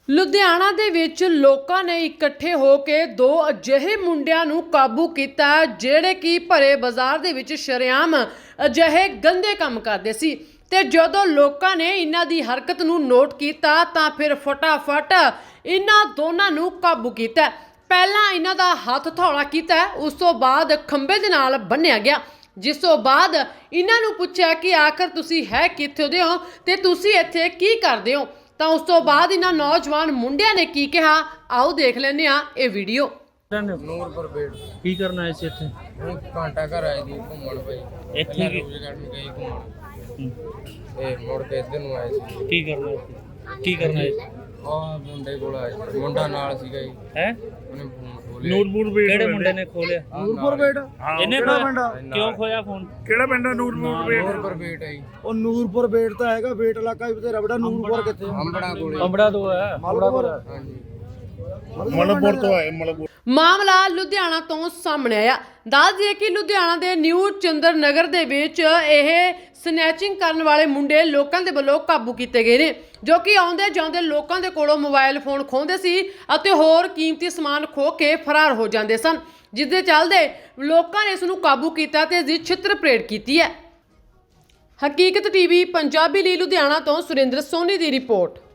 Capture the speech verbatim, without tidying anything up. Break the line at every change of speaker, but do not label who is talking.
ਲੁਧਿਆਣਾ ਦੇ ਵਿੱਚ ਲੋਕਾਂ ਨੇ ਇਕੱਠੇ ਹੋ ਕੇ ਦੋ ਅਜਿਹੇ ਮੁੰਡਿਆਂ ਨੂੰ ਕਾਬੂ ਕੀਤਾ ਜਿਹੜੇ ਕਿ ਭਰੇ ਬਾਜ਼ਾਰ ਦੇ ਵਿੱਚ ਸ਼ਰੇਆਮ ਅਜਿਹੇ ਗੰਦੇ ਕੰਮ ਕਰਦੇ ਸੀ ਤੇ ਜਦੋਂ ਲੋਕਾਂ ਨੇ ਇਹਨਾਂ ਦੀ ਹਰਕਤ ਨੂੰ ਨੋਟ ਕੀਤਾ ਤਾਂ ਫਿਰ ਫਟਾਫਟ ਇਹਨਾਂ ਦੋਨਾਂ ਨੂੰ ਕਾਬੂ ਕੀਤਾ। ਪਹਿਲਾਂ ਇਹਨਾਂ ਦਾ ਹੱਥ ਹਥੌੜਾ ਕੀਤਾ, ਉਸ ਤੋਂ ਬਾਅਦ ਖੰਭੇ ਦੇ ਨਾਲ ਬੰਨਿਆ ਗਿਆ, ਜਿਸ ਤੋਂ ਬਾਅਦ ਇਹਨਾਂ ਨੂੰ ਪੁੱਛਿਆ ਕਿ ਆਖਰ ਤੁਸੀਂ ਹੈ ਕਿੱਥੋਂ ਦੇ ਹੋ ਤੇ ਤੁਸੀਂ ਇੱਥੇ ਕੀ ਕਰਦੇ ਹੋ। ਤਾਂ ਉਸ ਤੋਂ ਬਾਅਦ ਇਹਨਾਂ ਨੌਜਵਾਨ ਮੁੰਡਿਆਂ ਨੇ ਕੀ ਕਿਹਾ, ਆਓ ਦੇਖ ਲੈਂਦੇ ਆ ਇਹ ਵੀਡੀਓ।
ਨੂਰਪੁਰ ਬੇੜ
ਕੀ ਕਰਨ ਆਏ ਸੀ ਇੱਥੇ?
ਹੁਣ ਘੰਟਾ ਘਰ ਆਏ ਦੀ ਘੁੰਮਣ ਪਈ
ਇੱਥੇ ਕੀ
ਰੋਜ਼ ਗਾਰਡਨ ਗਈ ਘੁੰਮਣ ਤੇ ਮੁੜ ਕੇ ਇੱਧਰ ਨੂੰ ਆਏ ਸੀ।
ਕੀ ਕਰਨਾ ਸੀ? ਕੀ ਕਰਨਾ ਹੈ?
ਆਹ ਮੁੰਡੇ ਕੋਲ ਆਏ ਸੀ, ਮੁੰਡਾ ਨਾਲ ਸੀਗਾ ਜੀ,
ਹੈ
ਉਹਨੇ ਫੋਨ ਖੋਲਿਆ।
ਨੂਰਪੁਰ ਬੇੜ ਕਿਹੜੇ ਮੁੰਡੇ ਨੇ ਖੋਲਿਆ?
ਨੂਰਪੁਰ ਬੇੜ
ਇਹਨੇ ਖੋਇਆ? ਕਿਉਂ ਖੋਇਆ ਫੋਨ?
ਕਿਹੜਾ ਪਿੰਡ ਹੈ ਨੂਰਪੁਰ ਬੇੜ?
ਨੂਰਪੁਰ ਬੇੜ ਹੈ ਜੀ,
ਉਹ ਨੂਰਪੁਰ ਬੇੜ ਤਾਂ ਹੈਗਾ, ਬੇਟ ਇਲਾਕਾ ਵੀ ਤੇਰਾ ਬੜਾ। ਨੂਰਪੁਰ ਕਿੱਥੇ?
ਅੰਬੜਾ ਕੋਲੇ।
ਅੰਬੜਾ ਤੋਂ ਹੈ।
ਮਾਲਪੁਰ।
ਹਾਂਜੀ
ਮਲਕਪੁਰ ਤੋਂ ਆਏ ਮਲਕਪੁਰ।
ਮਾਮਲਾ ਲੁਧਿਆਣਾ ਤੋਂ ਸਾਹਮਣੇ ਆਇਆ। ਦੱਸ ਦਈਏ ਕਿ ਲੁਧਿਆਣਾ ਦੇ ਨਿਊ ਚੰਦਰ ਨਗਰ ਦੇ ਵਿੱਚ ਇਹ ਸਨੈਚਿੰਗ ਕਰਨ ਵਾਲੇ ਮੁੰਡੇ ਲੋਕਾਂ ਦੇ ਵੱਲੋਂ ਕਾਬੂ ਕੀਤੇ ਗਏ ਨੇ, ਜੋ ਕਿ ਆਉਂਦੇ ਜਾਂਦੇ ਲੋਕਾਂ ਦੇ ਕੋਲੋਂ ਮੋਬਾਈਲ ਫੋਨ ਖੋਹਦੇ ਸੀ ਅਤੇ ਹੋਰ ਕੀਮਤੀ ਸਮਾਨ ਖੋਹ ਕੇ ਫਰਾਰ ਹੋ ਜਾਂਦੇ ਸਨ, ਜਿਸ ਦੇ ਚੱਲਦੇ ਲੋਕਾਂ ਨੇ ਇਸ ਨੂੰ ਕਾਬੂ ਕੀਤਾ ਤੇ ਇਸ ਦੀ ਛਿੱਤਰ ਪਰੇਡ ਕੀਤੀ ਹੈ। ਹਕੀਕਤ ਟੀਵੀ ਪੰਜਾਬੀ ਲਈ ਲੁਧਿਆਣਾ ਤੋਂ ਸੁਰਿੰਦਰ ਸੋਨੀ ਦੀ ਰਿਪੋਰਟ।